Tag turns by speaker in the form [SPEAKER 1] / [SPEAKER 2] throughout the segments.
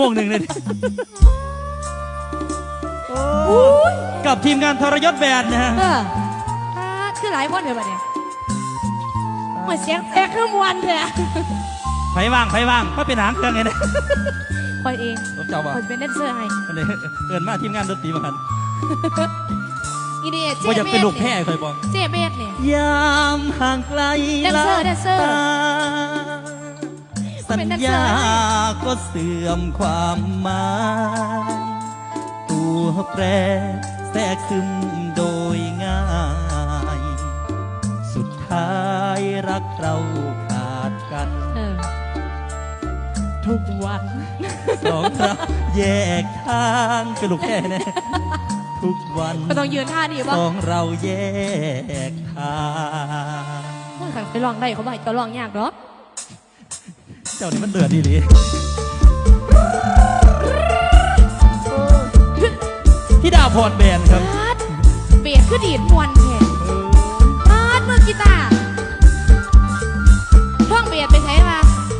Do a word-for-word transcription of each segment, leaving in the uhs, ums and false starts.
[SPEAKER 1] วงหนึ่งเลยกับทีมงานทรยศแบนด์นะฮะ
[SPEAKER 2] คือหลายคนเลยบัดเนี่ยเหมือนเสียงแตกเครื่องวันเลย
[SPEAKER 1] ไผ่ว่างไผ่ว่างก็เป็นหางเครื่องไงนะ
[SPEAKER 2] คอยเอง
[SPEAKER 1] ผมเจ้าบ่
[SPEAKER 2] คอยเป็นแดนเซอร์ให้
[SPEAKER 1] เอินมาทีมงานดนตรีมากัน
[SPEAKER 2] อีเดียเจ๊
[SPEAKER 1] เบสเป็นลูกแพ้คอยบอก
[SPEAKER 2] เจ๊เบสเนี่ย
[SPEAKER 1] ยามห่างไกล
[SPEAKER 2] แดนเซอร์แดนเซอร์
[SPEAKER 1] สัญญาก็เสื่อมความหมายตัวแปรแทรกซึมโดยง่ายสุดท้ายรักเราขาดกัน
[SPEAKER 2] ทุกวัน
[SPEAKER 1] สองเราแยกทางเป็นลูกแค่แน่ทุกวัน
[SPEAKER 2] ก็ต้องยืนท่านี่ป่ะ
[SPEAKER 1] สองเราแยกทาง
[SPEAKER 2] ขันไปลองได้เขาบอกจะลองยากหรอ
[SPEAKER 1] เจ้านี่มันเดือดดีหรือพี่ดาวพรแบนครับ
[SPEAKER 2] เบียดคือดีดมวนแทนพาดมือกีตาร์ท่องเบียดไปใช้ป่ะ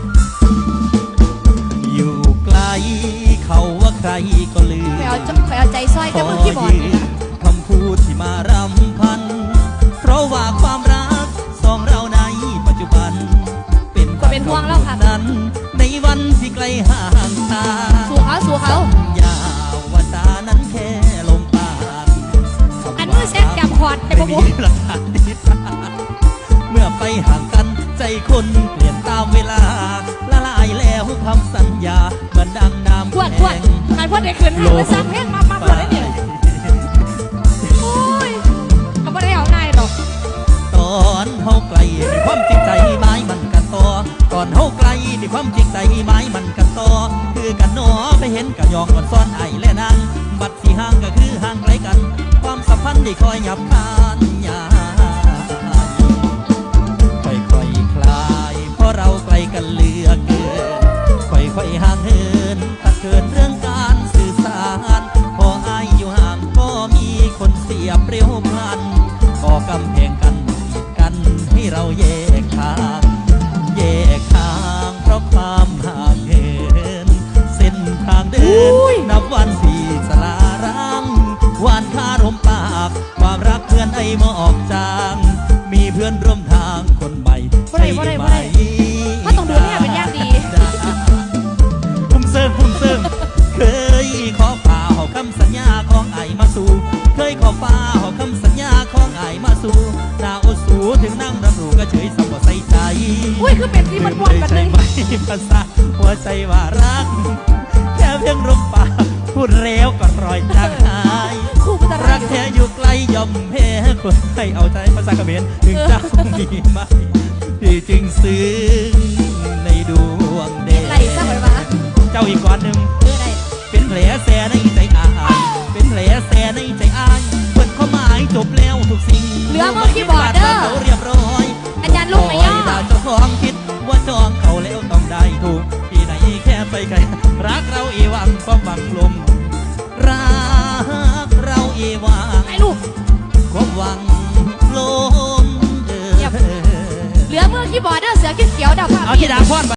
[SPEAKER 1] อยู่ไกลเขาว่าใครก็ลืม
[SPEAKER 2] คอยเอาคอยเอาใจซอยกับมือที่บอด
[SPEAKER 1] คำพูดที่มารำพันเพราะว่าความรักสองเราในปัจจุบันเป็น
[SPEAKER 2] ก็เป็นห่วงเราค่ะ
[SPEAKER 1] นั้นในวันที่ไกลห่างตา
[SPEAKER 2] สู่เขาสู่เขา
[SPEAKER 1] ยาวว่าตานั้นแค่ลมปาก
[SPEAKER 2] อันมือเช็คจำคอร์ดแต่
[SPEAKER 1] ไม่มีหลักฐานดีเมื่อไปห่างกันใจคนเปลี่ยนตามเวลาละลายแล้วคำสัญญาเหมือนดังน้ำแข็ง
[SPEAKER 2] พวดการพวดได้คืนให้ไปสั่งเพลงมามาพวดได้เนี่ยโอ้ยก็ไม่ได้เอาง่ายหรอก
[SPEAKER 1] ตอนเฮาไกลมีความจริงใจไม้มันกันต่อตอนเฮาไกลมีความจริงใจไม้มันกันต่อคือกันหนอไปเห็นกันยองก่อนซ้อนไอและนางบัดที่ห่างก็คือห่างไกลกันความสัมพันธ์ที่คอยหยับคานยาค่อยๆคลายเพราะเราไกลกันเหลือเกินค่อยๆห่างเหินตัดเกินเรื่องการสื่อสารพออายอยู่ห่างก็มีคนเสียเปรี้ยวพลันก่อกำแพงกันกันให้เราแยกทางแยกทางเพราะความห่างเหินเส้นทางเดินนับวันที่สลารังหวานคารมปากความรักเพื่อนไอมอกจางมีเพื่อนร่วมทางคนใหม่
[SPEAKER 2] ใช่ไหมถ้าต้องดูเนี่ยเป็นยากดี
[SPEAKER 1] พุ่มเซิงพุ่มเซิงเคยขอฝ่าหอคำสัญญาของไอมาสู่เคยขอฝ่าหอคำสัญญาของไอมาสู่นาโอสูถึงนั่งรับรู้ก็เฉยสมบูรณ์ใส่ใจ
[SPEAKER 2] อุ้ยคือเป็นที่มันวนกันเลย
[SPEAKER 1] ไม่ภาษาหัวใจว่ารักแค่เพียงลมปากพูดเร็วก็รอยจางหายรักแท้อยู่ไกลย่อมแพ้คนให้เอาใจภาษากระเบนถึงเจ้ามีไหมที่จึงซึ้งในดวงเดชเจ้าอีกก้อนหนึ่งเป็นแผลแสในใจอายเป็นแผลแสในใจอายเปิดข้อหมายจบแล้วทุกสิ่ง
[SPEAKER 2] เหลือมือคีย์บอร์ดเด้อ
[SPEAKER 1] เรียบร้อย
[SPEAKER 2] อาจารย์ลูกไม่ย่อ
[SPEAKER 1] เจ้าของคิดว่าจองเขาแล้วต้องได้ถูกที่ไหนแค่ไปไกลรักเราอีวังความหวังลมรักเราอีวัง
[SPEAKER 2] ไอ้ลูก
[SPEAKER 1] ความหวังลม
[SPEAKER 2] เหลือมือคีย์บอร์ดเด้อเสือเขียวดาว
[SPEAKER 1] เอาที่ดาพอด